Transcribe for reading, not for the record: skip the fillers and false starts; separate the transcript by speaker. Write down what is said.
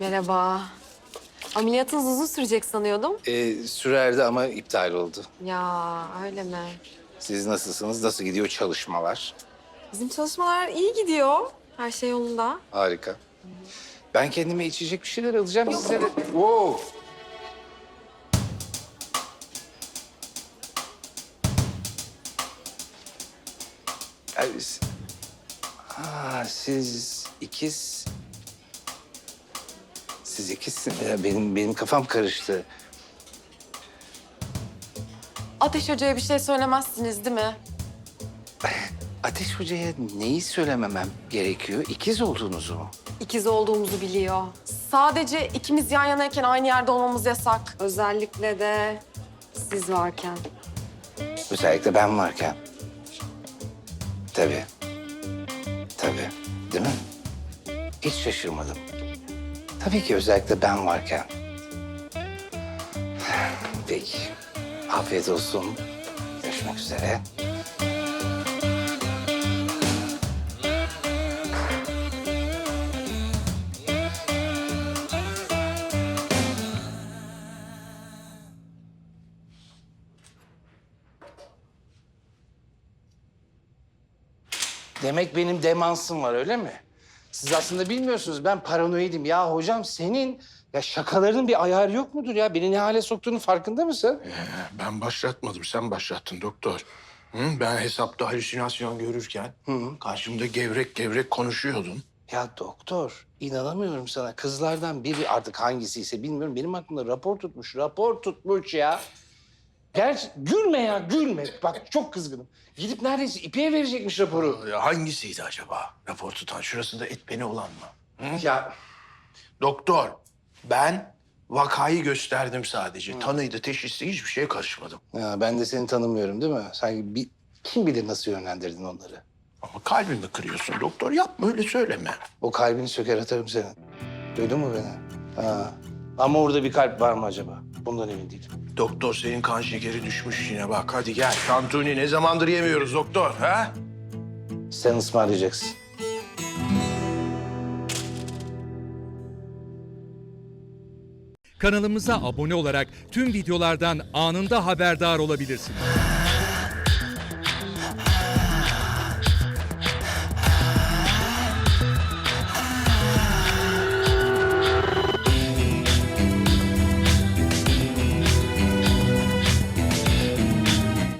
Speaker 1: Merhaba. Ameliyatınız uzun sürecek sanıyordum.
Speaker 2: Sürerdi ama iptal oldu.
Speaker 1: Ya öyle mi?
Speaker 2: Siz nasılsınız? Nasıl gidiyor çalışmalar?
Speaker 1: Bizim çalışmalar iyi gidiyor. Her şey yolunda.
Speaker 2: Harika. Ben kendime içecek bir şeyler alacağım size de. Wow. Ay, siz ikiz... Siz ikizsiniz. Ya benim kafam karıştı.
Speaker 1: Ateş Hoca'ya bir şey söylemezsiniz değil mi?
Speaker 2: Ateş Hoca'ya neyi söylememem gerekiyor? İkiz olduğunuzu mu?
Speaker 1: İkiz olduğumuzu biliyor. Sadece ikimiz yan yanayken aynı yerde olmamız yasak. Özellikle de siz varken.
Speaker 2: Özellikle ben varken. Tabii. Tabii. Değil mi? Hiç şaşırmadım. Tabii ki özellikle ben varken. Peki. Afiyet olsun. Görüşmek üzere. Demek benim demansım var öyle mi? Siz aslında bilmiyorsunuz ben paranoidim. Ya hocam senin ya şakalarının bir ayarı yok mudur ya? Beni ne hale soktuğunun farkında mısın?
Speaker 3: Ben başlatmadım, sen başlattın doktor. Hı? Ben hesapta halüsinasyon görürken karşımda gevrek gevrek konuşuyordun.
Speaker 2: Ya doktor inanamıyorum sana. Kızlardan biri artık hangisiyse bilmiyorum. Benim aklımda rapor tutmuş ya. Gerçi gülme ya gülme. Bak çok kızgınım. Gidip neredeyse İpek'e verecekmiş raporu.
Speaker 3: Ya hangisiydi acaba rapor tutan? Şurasında et beni olan mı?
Speaker 2: Ya
Speaker 3: Doktor, ben vakayı gösterdim sadece. Tanıydı, teşhisi hiçbir şeye karışmadım.
Speaker 2: Ya ben de seni tanımıyorum değil mi? Sanki kim bilir nasıl yönlendirdin onları.
Speaker 3: Ama kalbimi kırıyorsun doktor. Yapma öyle söyleme.
Speaker 2: O kalbini söker atarım senin. Duydun mu beni? Ha. Ama orada bir kalp var mı acaba? Bundan emin değilim.
Speaker 3: Doktor senin kan şekeri düşmüş yine bak. Hadi gel. Tantuni ne zamandır yemiyoruz doktor ha?
Speaker 2: Sen ısmarlayacaksın.
Speaker 4: Kanalımıza abone olarak tüm videolardan anında haberdar olabilirsiniz.